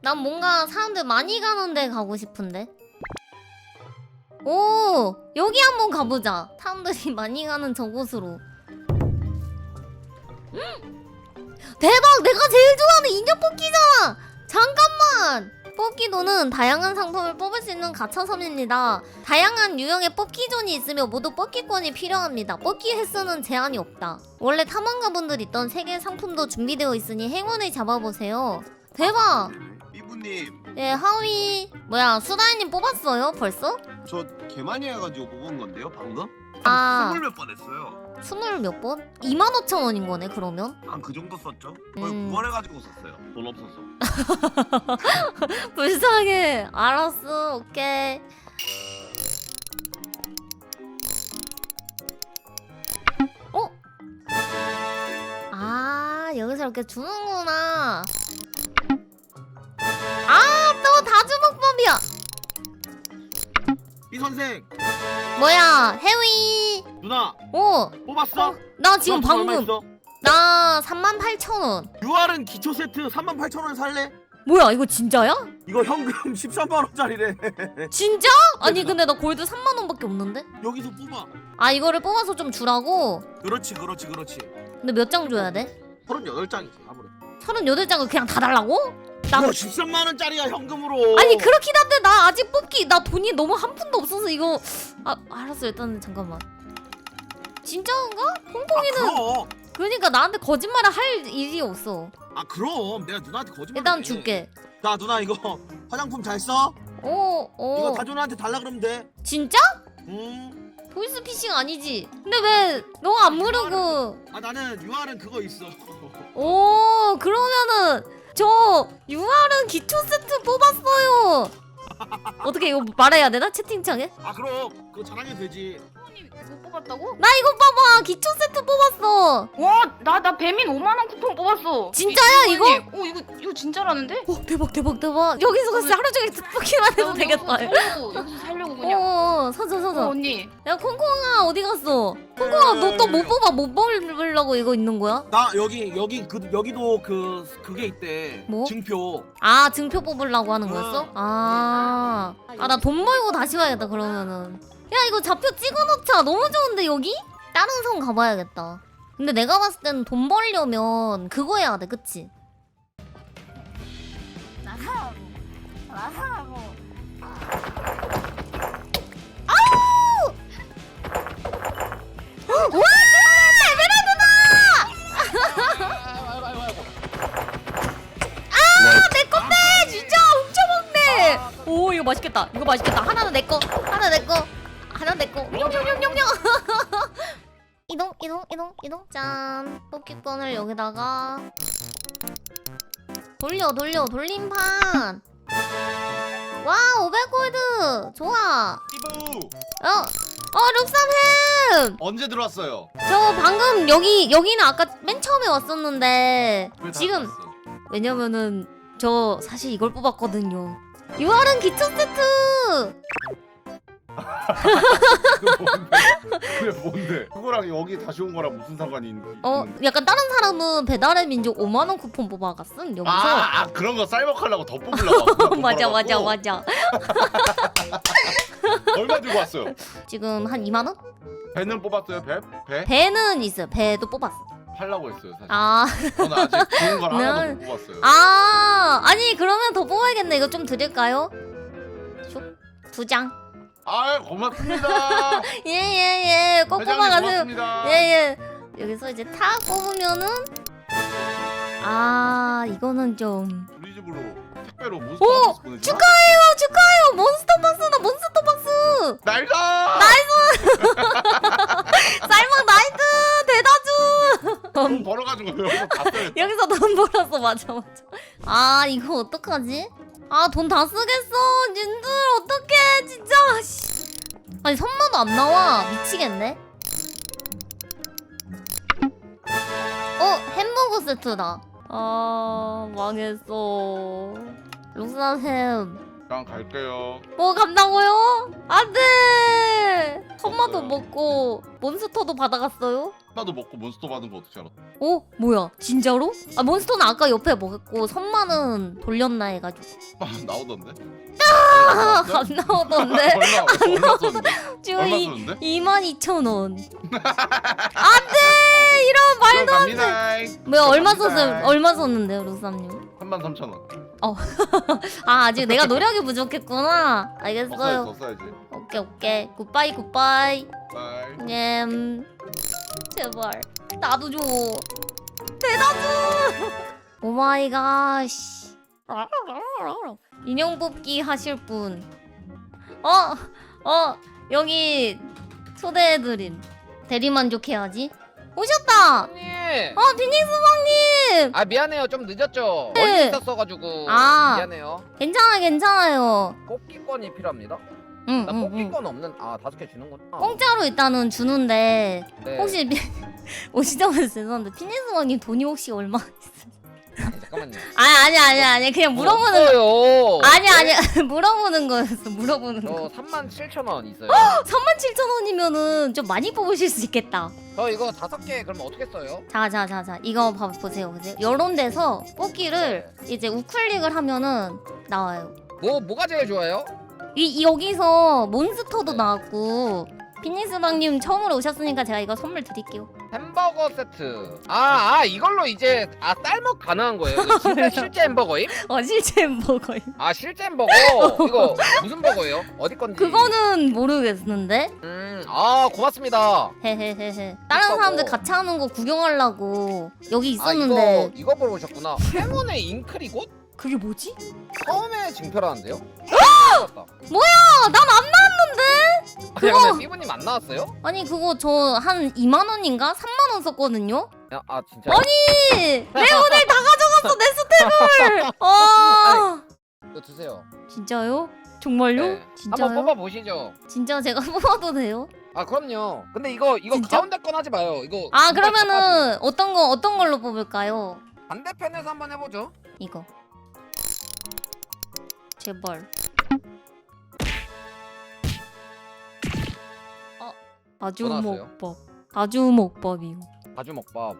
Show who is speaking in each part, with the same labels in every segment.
Speaker 1: 난 뭔가 사람들 많이 가는 데 가고 싶은데. 오, 여기 한번 가보자. 사람들이 많이 가는 저곳으로. 대박! 내가 제일 좋아하는 인형 뽑기잖아! 잠깐만! 뽑기도는 다양한 상품을 뽑을 수 있는 가차섬입니다. 다양한 유형의 뽑기존이 있으며 모두 뽑기권이 필요합니다. 뽑기 횟수는 제한이 없다. 원래 탐험가분들 있던 세계 상품도 준비되어 있으니 행운을 잡아보세요. 대박!
Speaker 2: 삐부님
Speaker 1: 예, 하위. 뭐야, 수다이님 뽑았어요? 벌써?
Speaker 2: 저 개 많이 해가지고 뽑은 건데요 방금?
Speaker 1: 아.
Speaker 2: 20몇 번 했어요.
Speaker 1: 20 몇 번? 25,000원인 거네, 그러면?
Speaker 2: 한 그 정도 썼죠? 거의 9월 해가지고 썼어요. 돈 없어서.
Speaker 1: 불쌍해. 알았어, 오케이. 어? 아, 여기서 이렇게 주는구나. 아, 또 다주먹법이야.
Speaker 2: 이 선생
Speaker 1: 뭐야, 해위.
Speaker 2: 누나
Speaker 1: 오,
Speaker 2: 뽑았어?
Speaker 1: 나 지금
Speaker 2: 누나 돈 얼마
Speaker 1: 방금.
Speaker 2: 있어?
Speaker 1: 나 38,000원.
Speaker 2: UR은 기초 세트 38,000원 살래?
Speaker 1: 뭐야, 이거 진짜야?
Speaker 2: 이거 현금 13만원짜리래.
Speaker 1: 진짜? 아니, 근데 나 골드 3만원밖에 없는데?
Speaker 2: 여기서 뽑아.
Speaker 1: 아, 이거를 뽑아서 좀 주라고?
Speaker 2: 그렇지.
Speaker 1: 근데 몇 장 줘야 돼?
Speaker 2: 38장이지 아무래도.
Speaker 1: 38장을 그냥 다 달라고? 나
Speaker 2: 이거 13만원짜리야 현금으로.
Speaker 1: 아니 그렇긴 한데 나 아직 뽑기 나 돈이 너무 한 푼도 없어서 이거. 아, 알았어. 일단 잠깐만. 진짜인가? 홍콩이는
Speaker 2: 그럼.
Speaker 1: 그러니까 나한테 거짓말을 할 일이 없어.
Speaker 2: 그럼 내가 누나한테 거짓말.
Speaker 1: 일단 줄게.
Speaker 2: 자 누나 이거 화장품 잘 써? 이거 다준한테 달라 그러면 돼.
Speaker 1: 진짜? 보이스피싱 아니지? 근데 왜 너 안 모르고?
Speaker 2: 나는 UR은 그거 있어.
Speaker 1: 오, 그러면은 저 UR은 기초 세트 뽑았어요. 어떻게 이거 말해야 되나? 채팅창에?
Speaker 2: 그럼 그거 자랑해도 되지.
Speaker 3: 이거 뽑았다고?
Speaker 1: 나 이거 봐봐. 기초 세트 뽑았어.
Speaker 3: 와, 나 배민 5만원 쿠폰 뽑았어.
Speaker 1: 진짜야, 이거?
Speaker 3: 이거 진짜라는데?
Speaker 1: 대박. 여기서 진짜 하루 종일 뽑기만 해도 되겠다.
Speaker 3: 여기서 살려고 그냥.
Speaker 1: 사자.
Speaker 3: 언니.
Speaker 1: 야, 콩콩아 어디 갔어? 콩콩아 너 또 못 뽑아? 못 뽑으려고 이거 있는 거야?
Speaker 2: 나 여기도 그게 있대.
Speaker 1: 뭐?
Speaker 2: 증표.
Speaker 1: 아, 증표 뽑으려고 하는 거였어? 나 돈 벌고 다시 와야겠다 그러면은. 야, 이거 좌표 찍어놓자. 너무 좋은데 여기? 다른 성 가봐야겠다. 근데 내가 봤을 때는 돈 벌려면 그거 해야 돼, 그치? 와! 내 건데! 진짜 훔쳐먹네! 오, 이거 맛있겠다. 하나는 내 거. 하나 내 거. 냠냠냠냠냠. 이동. 짠. 뽑기권을 여기다가 돌림판. 와, 500골드. 좋아.
Speaker 4: 삐부
Speaker 1: 룩삼햄!
Speaker 4: 언제 들어왔어요?
Speaker 1: 저 방금 여기는 아까 맨 처음에 왔었는데
Speaker 4: 왜 다
Speaker 1: 지금
Speaker 4: 들어왔어?
Speaker 1: 왜냐면은 저 사실 이걸 뽑았거든요. 유아른 기초 세트.
Speaker 4: 그게 뭔데? 그거랑 여기 다시 온 거랑 무슨 상관이 있는?
Speaker 1: 약간 다른 사람은 배달의 민족 5만원 쿠폰 뽑아갔음 여기서.
Speaker 4: 그런 거 쌀먹하려고 더 뽑으려고.
Speaker 1: 맞아.
Speaker 4: 얼마 들고 왔어요?
Speaker 1: 지금 한 2만원?
Speaker 4: 배는 뽑았어요? 배?
Speaker 1: 배는 있어요. 배도 뽑았어.
Speaker 4: 팔라고 했어요 사실.
Speaker 1: 네.
Speaker 4: 저는 아직 좋은 걸 하나도 못 뽑았어요.
Speaker 1: 아니 그러면 더 뽑아야겠네. 이거 좀 드릴까요? 슉 2장.
Speaker 4: 고맙습니다.
Speaker 1: 예. 꼭
Speaker 4: 회장님
Speaker 1: 뽑아가세요.
Speaker 4: 고맙습니다.
Speaker 1: 예. 여기서 이제 탁 뽑으면은 이거는 좀.
Speaker 4: 우리 집으로 택배로
Speaker 1: 오!
Speaker 4: 몬스터 보내주나?
Speaker 1: 축하해요. 몬스터 박스다. 몬스터 박스.
Speaker 4: 나이스!
Speaker 1: 쌀먹 나이트 대다주.
Speaker 4: 돈 벌어가지고 여기서 다 써야겠다.
Speaker 1: 여기서 돈 벌었어. 맞아. 이거 어떡하지? 돈 다 쓰겠어. 님들 어떡해 진짜. 아니 선마도 안 나와. 미치겠네. 햄버거 세트다. 망했어. 룩사햄
Speaker 4: 그냥 갈게요.
Speaker 1: 뭐 간다고요? 안돼. 선마도 먹고 몬스터도 받아갔어요?
Speaker 4: 나도 먹고 몬스터 받은 거 어떻게 알았어?
Speaker 1: 어? 뭐야? 진짜로? 아 몬스터는 아까 옆에 먹었고 선마는 돌렸나 해가지고.
Speaker 4: 나오던데?
Speaker 1: 안 나오던데?
Speaker 4: 얼마 썼는데?
Speaker 1: 지금
Speaker 4: 얼마 썼는데?
Speaker 1: 22,000원. 안돼. 이런 말도 안 돼.
Speaker 4: 갑니다.
Speaker 1: 뭐야 얼마
Speaker 4: 갑니다.
Speaker 1: 썼어요? 얼마 썼는데요, 루쌈님?
Speaker 4: 33,000원.
Speaker 1: 아 아직 내가 노력이 부족했구나. 알겠어요.
Speaker 4: 써야지.
Speaker 1: 오케이. 굿바이.
Speaker 4: 바이.
Speaker 1: 제발 나도 줘. 대다 줘. 오마이갓. 인형 뽑기 하실 분. 여기 초대해드림. 대리만족해야지. 오셨다.
Speaker 5: 형님.
Speaker 1: 비닉스방님.
Speaker 5: 아 미안해요 좀 늦었죠.
Speaker 1: 네.
Speaker 5: 멀리 있었어가지고 미안해요.
Speaker 1: 괜찮아요.
Speaker 5: 뽑기권이 필요합니다.
Speaker 1: 응.
Speaker 5: 나 뽑기권 없는 5개 주는구나.
Speaker 1: 공짜로 일단은 주는데
Speaker 5: 네.
Speaker 1: 혹시 오시자마자 죄송한데 피니스왕님 돈이 혹시 얼마?
Speaker 5: 아니, 잠깐만요.
Speaker 1: 아니 그냥 물어보는
Speaker 5: 없어요.
Speaker 1: 아니 물어보는 거였어. 물어보는
Speaker 5: 저
Speaker 1: 거.
Speaker 5: 37,000원 있어요.
Speaker 1: 37,000원이면은 좀 많이 뽑으실 수 있겠다.
Speaker 5: 저 이거 5개 그럼 어떻게 써요?
Speaker 1: 자 이거 보세요. 요런 데서 뽑기를 이제 우클릭을 하면은 나와요.
Speaker 5: 뭐가 제일 좋아요?
Speaker 1: 여기서 몬스터도 나왔고 피니스방님 처음으로 오셨으니까 제가 이거 선물 드릴게요.
Speaker 5: 햄버거 세트. 이걸로 이제 쌀먹 가능한 거예요. 이거 진짜 실제 햄버거임?
Speaker 1: 실제 햄버거요.
Speaker 5: 실제 햄버거. 이거 무슨 버거예요? 어디 건지.
Speaker 1: 그거는 모르겠는데.
Speaker 5: 고맙습니다.
Speaker 1: 헤헤헤헤. 다른
Speaker 5: 햄버거.
Speaker 1: 사람들 같이 하는 거 구경하려고 여기 있었는데.
Speaker 5: 이거 보러 오셨구나. 행운의 잉크리곳?
Speaker 1: 그게 뭐지?
Speaker 5: 처음에 징표라는데요?
Speaker 1: 난 안 나왔는데? 그거-
Speaker 5: 근데 삐부님 안 나왔어요?
Speaker 1: 아니 그거 저 한 2만 원인가 3만 원 썼거든요.
Speaker 5: 진짜.
Speaker 1: 내 오늘 다 가져갔어 내 스텝을.
Speaker 5: 이거 드세요.
Speaker 1: 진짜요? 정말요?
Speaker 5: 네.
Speaker 1: 진짜요?
Speaker 5: 한번 뽑아 보시죠.
Speaker 1: 진짜 제가 뽑아도 돼요?
Speaker 5: 그럼요. 근데 이거
Speaker 1: 진짜?
Speaker 5: 가운데 건 하지 마요. 이거
Speaker 1: 그러면은 어떤 걸로 뽑을까요?
Speaker 5: 반대편에서 한번 해보죠.
Speaker 1: 이거. 제발.
Speaker 5: 나왔어요?
Speaker 1: 다주먹밥이요.
Speaker 5: 가주먹밥.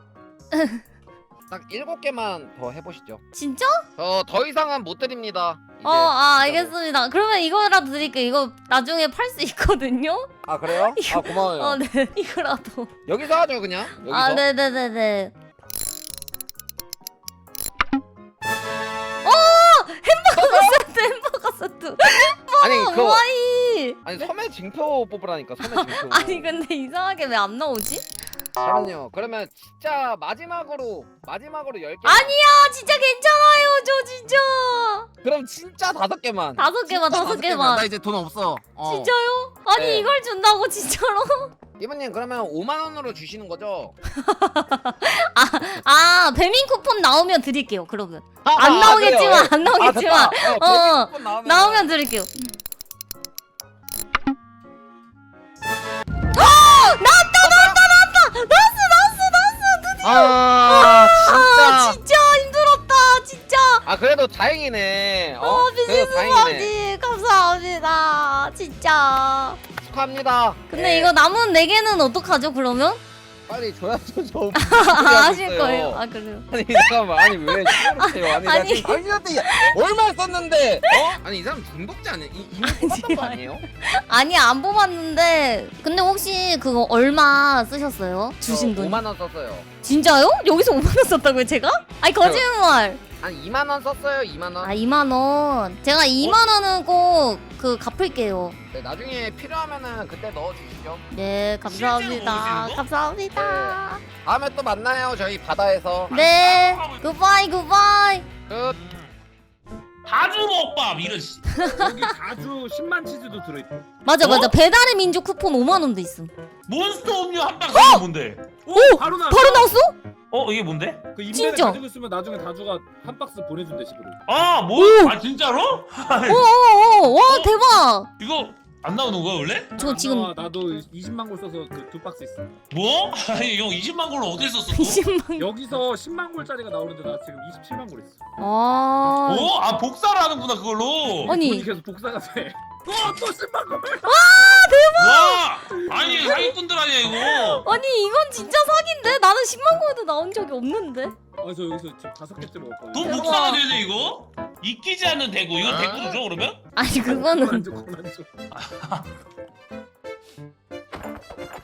Speaker 5: 딱 7개만 더 해보시죠.
Speaker 1: 진짜?
Speaker 5: 더 이상은 못 드립니다. 이제.
Speaker 1: 알겠습니다. 그러면 이거라도 드릴게요. 이거 나중에 팔 수 있거든요.
Speaker 5: 그래요?
Speaker 1: 이거-
Speaker 5: 고마워요.
Speaker 1: 네. 이거라도.
Speaker 5: 여기서 하죠 그냥. 여기서.
Speaker 1: 네네네네. 햄버거 세트.
Speaker 5: 아니 그거
Speaker 1: 와이.
Speaker 5: 섬의 징표 뽑으라니까. 섬의 징표.
Speaker 1: 아니 근데 이상하게 왜 안 나오지?
Speaker 5: 잠깐만요. 그러면 진짜 마지막으로 10개.
Speaker 1: 아니야 진짜 괜찮아요 저 진짜.
Speaker 5: 그럼 진짜 5개만.
Speaker 1: 5개만.
Speaker 5: 나 이제 돈 없어.
Speaker 1: 진짜요? 아니
Speaker 5: 네.
Speaker 1: 이걸 준다고 진짜로?
Speaker 5: 이모님 그러면 5만 원으로 주시는 거죠?
Speaker 1: 배민 쿠폰 나오면 드릴게요. 그러면 안 나오겠지만 안 나오겠지만 나오면 드릴게요.
Speaker 5: 진짜.
Speaker 1: 진짜 힘들었다 진짜.
Speaker 5: 그래도 다행이네. 그래도
Speaker 1: 비즈니스
Speaker 5: 다행이네.
Speaker 1: 바지 감사합니다 진짜.
Speaker 5: 축하합니다.
Speaker 1: 근데
Speaker 5: 네.
Speaker 1: 이거 남은 4개는 어떡하죠 그러면?
Speaker 5: 빨리 줘야죠. 저
Speaker 1: 하실 거예요? 그래요?
Speaker 5: 아니 잠깐만. 아니 왜 싫으세요? 아니 나
Speaker 1: 아니.
Speaker 5: 지금 당신한테 얼마 썼는데? 아니 이 사람 중독자 아니야? 이미 뽑았던 거 아니에요?
Speaker 1: 아니 안 뽑았는데 근데 혹시 그거 얼마 쓰셨어요? 주신 돈?
Speaker 5: 5만 원 썼어요.
Speaker 1: 진짜요? 여기서 5만 원 썼다고요 제가? 아니 거짓말.
Speaker 5: 한 2만 원 썼어요. 2만 원.
Speaker 1: 2만 원. 제가 2만 원은 꼭 갚을게요.
Speaker 5: 네, 나중에 필요하면은 그때 넣어 주시죠.
Speaker 1: 네 감사합니다.
Speaker 6: 실제로
Speaker 1: 감사합니다.
Speaker 5: 다음에 또 만나요. 저희 바다에서.
Speaker 1: 네 굿바이.
Speaker 5: 끝.
Speaker 6: 다주먹밥 이런 씨.
Speaker 2: 여기 가주 10만 치즈도 들어있다.
Speaker 1: 맞아
Speaker 6: 어?
Speaker 1: 배달의 민족 쿠폰 5만 원도 있음.
Speaker 6: 몬스터 음료 한 박스 이게 뭔데?
Speaker 1: 오!
Speaker 2: 바로 나.
Speaker 1: 바로 나왔어?
Speaker 6: 이게 뭔데?
Speaker 2: 그 인벤에
Speaker 1: 진짜?
Speaker 2: 가지고 있으면 나중에 다주가 한 박스 보내준대 식으로.
Speaker 6: 아, 뭐?
Speaker 1: 오!
Speaker 6: 진짜로?
Speaker 1: 오오오 와 대박.
Speaker 6: 이거 안 나오는 거야 원래?
Speaker 1: 저 지금
Speaker 7: 나도 20만 골 써서 그 2박스 있어.
Speaker 6: 뭐? 아니 형 20만 골로 어디 썼어? 또?
Speaker 1: 20만.
Speaker 7: 여기서 10만 골짜리가 나오는데 나 지금 27만 골 있어.
Speaker 1: 아.
Speaker 6: 어? 아 복사를 하는구나 그걸로.
Speaker 1: 아니.
Speaker 7: 돈이 계속 복사가 돼. 또 10만 골.
Speaker 6: 와! 아니 사기꾼들 아니야 이거.
Speaker 1: 아니 이건 진짜 사기인데? 나는 10만 골도 나온 적이 없는데.
Speaker 7: 저 여기서 지금 5개째 먹었거든.
Speaker 6: 돈 복사가 되네 이거? 잊기지 않는 대구. 이건 대구죠 그러면?
Speaker 1: 아니 그거는
Speaker 7: 안 줘.